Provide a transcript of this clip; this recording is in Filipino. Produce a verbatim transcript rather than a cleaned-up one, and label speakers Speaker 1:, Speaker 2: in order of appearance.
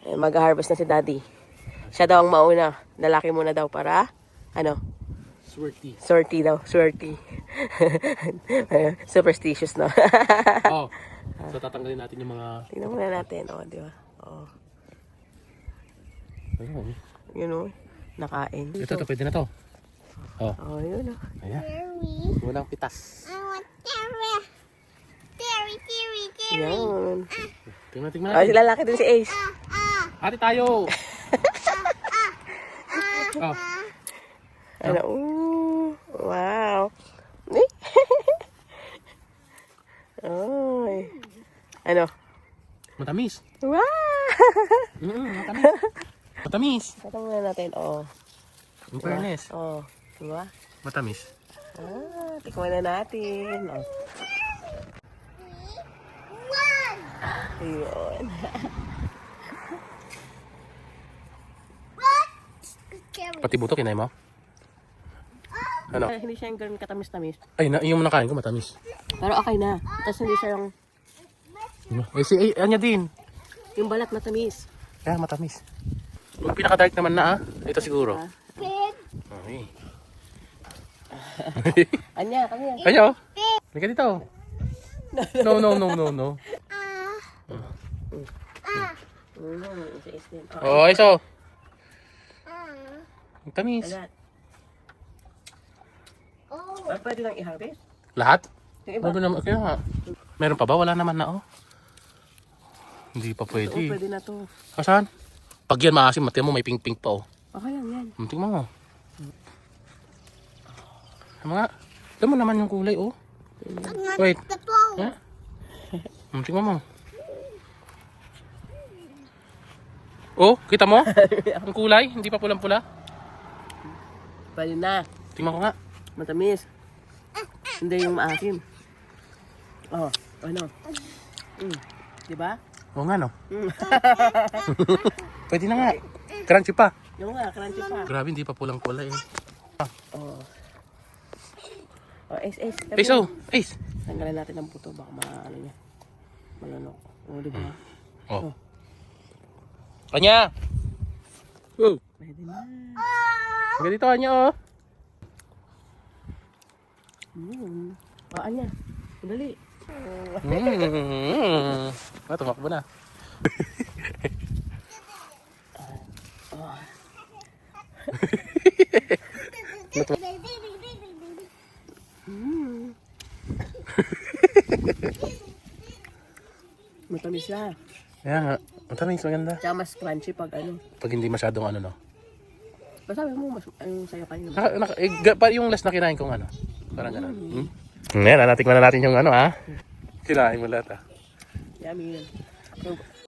Speaker 1: Mag-harvest na si Daddy. Siya daw ang mauna. Lalaki muna daw para, ano?
Speaker 2: Swerte.
Speaker 1: Swerte daw. Swerte. Superstitious, no?
Speaker 2: Oh. So tatanggalin natin yung mga...
Speaker 1: Tingnan muna natin. O, oh, di ba? Oo.
Speaker 2: Ayun.
Speaker 1: Yun o. Nakain.
Speaker 2: Ito, ito, pwede na to. Oh.
Speaker 1: Oh, yun o.
Speaker 2: Ayan. Walang pitas.
Speaker 3: I want Terry. Terry, Terry, Terry.
Speaker 1: Yan.
Speaker 2: Tingnan, tingnan
Speaker 1: Oh,
Speaker 2: natin.
Speaker 1: sila laki din si Ace.
Speaker 2: Ate tayo! Oh.
Speaker 1: Ano? Ooh, wow. Eh? Oy. Ano?
Speaker 2: Matamis.
Speaker 1: Wow!
Speaker 2: Mm, matamis. Matamis.
Speaker 1: Ito muna natin. Oh.
Speaker 2: In fairness.
Speaker 1: Oh. Diba?
Speaker 2: Matamis.
Speaker 1: Ah, tikman na natin. Oh.
Speaker 3: One.
Speaker 1: Ayun.
Speaker 3: What? Terry.
Speaker 2: Pati buto, kinay mo? Ano?
Speaker 1: Eh, hindi siya yung ganun katamis-tamis.
Speaker 2: Ay, na, yung nakain ko matamis.
Speaker 1: Pero okay na. Tapos hindi siya yung,
Speaker 2: Eh, si ay, anya din.
Speaker 1: yung balat matamis.
Speaker 2: Kaya matamis. Yung pinaka-dark naman na ah. Ito siguro.
Speaker 1: Ah.
Speaker 3: Pig.
Speaker 2: Okay.
Speaker 1: Anya, kami yan.
Speaker 2: Kayo? Halika dito. No, no, no, no, no.
Speaker 3: Ah. Ah.
Speaker 1: Mm, isa is din.
Speaker 2: Oh, ay so.
Speaker 3: Ah.
Speaker 2: Matamis.
Speaker 1: Alat.
Speaker 3: Oh.
Speaker 1: Ah, pwede lang i-harvest?
Speaker 2: Lahat?
Speaker 1: Yung iba?
Speaker 2: Ano naman? Kaya nga. Meron pa ba? Wala naman na oh. Hindi pa
Speaker 1: Oo,
Speaker 2: pwede.
Speaker 1: pwede na to.
Speaker 2: Asan? Pag yan maasim, mati mo may pink-pink pa oh.
Speaker 1: Okay lang yan.
Speaker 2: Tingnan mo. Mga, alam mo naman yung kulay oh. Wait.
Speaker 3: The ball.
Speaker 2: Ha? Hmm, tingnan mo. Oh, kita mo? Ang kulay, hindi pa pulang-pula.
Speaker 1: Pwede na.
Speaker 2: Tingnan ko nga.
Speaker 1: Matamis. Hindi yung maasim. Oh, ano? Mm. Diba?
Speaker 2: Oo nga no. Pwede na nga. Crunchy pa.
Speaker 1: Yung nga, crunchy pa.
Speaker 2: Grabe, hindi pa pulang-pula eh.
Speaker 1: Oh. Oh, Ace, Ace.
Speaker 2: Ace oh, Ace.
Speaker 1: Tanggalin natin ang puto. Baka ma, ano niya. Malunok. Oh, diba?
Speaker 2: Oh. Kanya! Oh.
Speaker 1: Pwede na.
Speaker 2: Hanggang dito, Anya oh.
Speaker 1: Mm. Oh, Anya. Dali.
Speaker 2: Mm. Ah, tumakbo na.
Speaker 1: Mm. Matamis siya.
Speaker 2: Kaya nga, matamis, maganda.
Speaker 1: Tsaka mas crunchy pag ano.
Speaker 2: Pag hindi masyadong ano no.
Speaker 1: Basta sabi mo, mas, yung sayo kayo.
Speaker 2: Naka, naka, eh, ga- pa- yung last na kinain kong ano. Parang gano'n. Hmm? Ngayon, natikman na natin yung ano ha. Kinain mo lahat ah.
Speaker 1: Yummy yun. So,